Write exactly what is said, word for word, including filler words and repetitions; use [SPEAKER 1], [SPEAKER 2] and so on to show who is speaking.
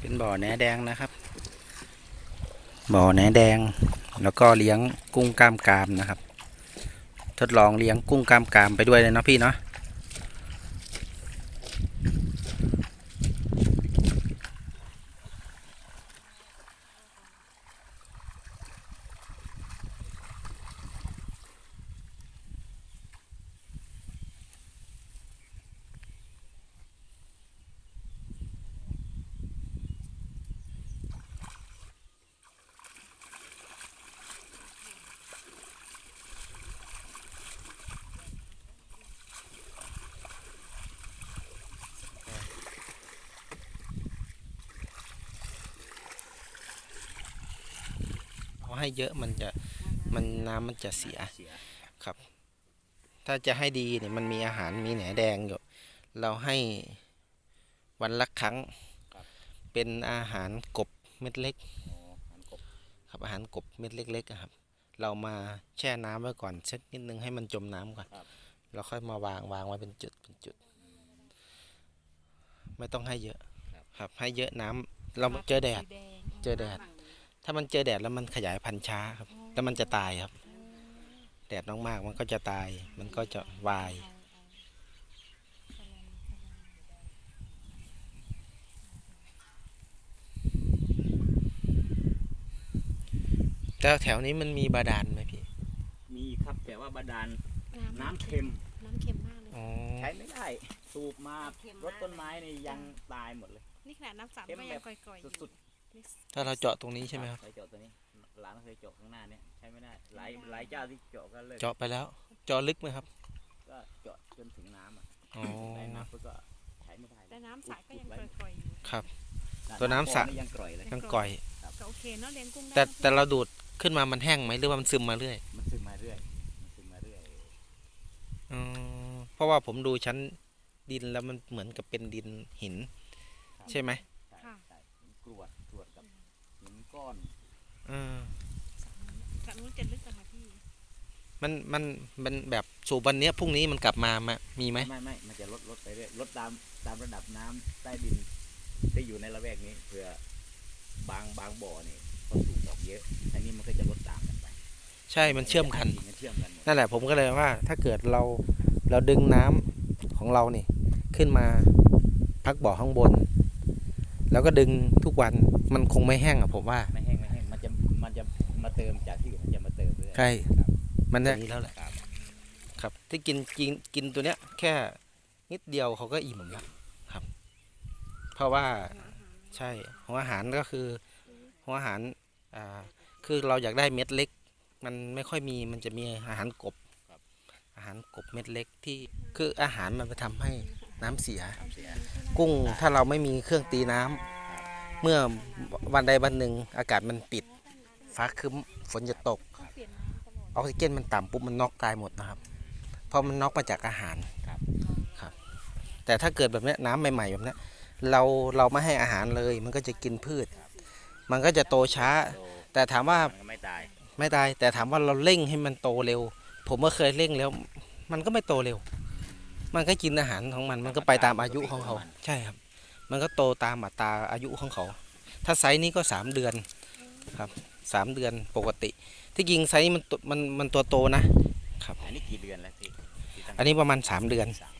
[SPEAKER 1] เป็นบ่อแหนแดงนะครับบ่อแหนแดงแล้วก็เลี้ยงกุ้งกล้ามกรามนะครับ ทดลองเลี้ยงกุ้งกล้ามกรามไปด้วยเลยเนาะพี่เนาะเอาให้เยอะมันจะมันน้ำมันจะเสียครับ ถ้าจะให้ดีเนี่ยมันมีอาหารมีแหนแดงอยู่เราให้วันละครั้งเป็นอาหารกบเม็ดเล็กครับอาหารกบเม็ดเล็กๆครับเรามาแช่น้ำไว้ก่อนสักนิดนึงให้มันจมน้ำก่อนเราค่อยมาวางวางไว้เป็นจุดเป็นจุดไม่ต้องให้เยอะครับให้เยอะน้ำเราเจอแดดเจอแดดถ้ามันเจอแดดแล้วมันขยายพันธุ์ช้าครับแล้วมันจะตายครับแดดมากๆมันก็จะตายมันก็จะวายแล้วแถวนี้มันมีบาดาลไหมพี่
[SPEAKER 2] มีครับแต่ว่าบาดาลน้ำเค็ม
[SPEAKER 3] น้ำเค็มมากเลย
[SPEAKER 2] ใช้ไม่ได้สูบมารดต้นไม้นี่ยังตายหมดเลย
[SPEAKER 3] นี่ขนาดน้ำสับก็ยังก่อยๆ
[SPEAKER 2] สุด
[SPEAKER 1] ๆถ้าเราเจาะตรงนี้ใช่ไหมครับ
[SPEAKER 2] ใช้เจาะตัวนี้หลานเคยเจาะข้างหน้าเนี่ยใช้ไม่ได้หลายหลายเจ้าที่เจาะก็เลย
[SPEAKER 1] เจาะไปแล้วเจาะลึกไหมครับ
[SPEAKER 2] ก็เจาะจนถึงน้ำอ่ะ
[SPEAKER 1] ได้
[SPEAKER 2] น้ำก็ใช้ไม่ได้
[SPEAKER 3] แต่น้ำสระก็ยังก่อยๆอยู่
[SPEAKER 1] ครับตัวน้ำสระ
[SPEAKER 2] ยังก่อยเลย
[SPEAKER 1] ยังก่อย
[SPEAKER 3] ก็โอเคเนาะเลี้ยงกุ้ง
[SPEAKER 1] แต่แต่เราดูดขึ้นมามันแห้งไหมหรือว่ามันซึมมาเรื่อย
[SPEAKER 2] มันซึมมาเรื่อยมันซึมมาเรื่อย
[SPEAKER 1] อ๋อเพราะว่าผมดูชั้นดินแล้วมันเหมือนกับเป็นดินหินใช่ไหม
[SPEAKER 2] ค่ะกรวดกรวดกับหินก้อน
[SPEAKER 1] อ่า
[SPEAKER 3] จากนู้นจะลึกกันค่ะพี่
[SPEAKER 1] มันมันมันแบบสูบวันนี้พรุ่งนี้มันกลับมามามีไหม
[SPEAKER 2] ไม่ไม่มันจะลดลดไปเรื่อยลดตามตามระดับน้ำใต้ดินที่อยู่ในละแวกนี้เผื่อบางบางบ่อนี่พอสูบออกเยอะอันนี้มันก็จะลดตามกันไป
[SPEAKER 1] ใช่มันเชื่อมกัน
[SPEAKER 2] น
[SPEAKER 1] นั่นแหละผมก็เลยว่าถ้าเกิดเราเราดึงน้ำของเรานี่ขึ้นมาพักบ่อข้างบนแล้วก็ดึงทุกวันมันคงไม่แห้งอะผมว่า
[SPEAKER 2] ไม่แห้งไม่แห้งมันจะมันจะมาเติมจากที่อื่นมันจะมาเติมเรื่อย
[SPEAKER 1] ใช่มันจะนี้แล้วแหละครับที่กินกินกินตัวเนี้ยแค่นิดเดียวเขาก็อิ่มแล้วครับเพราะว่าใช่หัวอาหารก็คือหัวอาหารอ่าคือเราอยากได้เม็ดเล็กมันไม่ค่อยมีมันจะมีอาหารกบอาหารกบเม็ดเล็กที่คืออาหารมันไปทำให้น้ำเสียกุ้งถ้าเราไม่มีเครื่องตีน้ำเมื่อวันใดวันหนึ่งอากาศมันปิดฟ้าครึ้มฝนจะตกออกซิเจนมันต่ำปุ๊บมันน็อกตายหมดนะครับเพราะมันน็อกมาจากอาหารครับแต่ถ้าเกิดแบบนี้น้ำใหม่ๆแบบนี้เราเราไม่ให้อาหารเลยมันก็จะกินพืชมันก็จะโตช้าแต่ถามว่า
[SPEAKER 2] ไม่ตาย
[SPEAKER 1] ไม่ตายแต่ถามว่าเราเร่งให้มันโตเร็วผมก็เคยเร่งแล้วมันก็ไม่โตเร็วมันก็กินอาหารของมันมันก็ไปตามอายุของเขาใช่ครับมันก็โตตามอัตราอายุของเขาถ้าไซส์นี้ก็สามเดือนครับสามเดือนปกติที่จริงไซส์มันมันมันตัวโตนะครับ
[SPEAKER 2] อันนี้กี่เดือนแล้วพี่
[SPEAKER 1] อันนี้ประมาณสามเดือน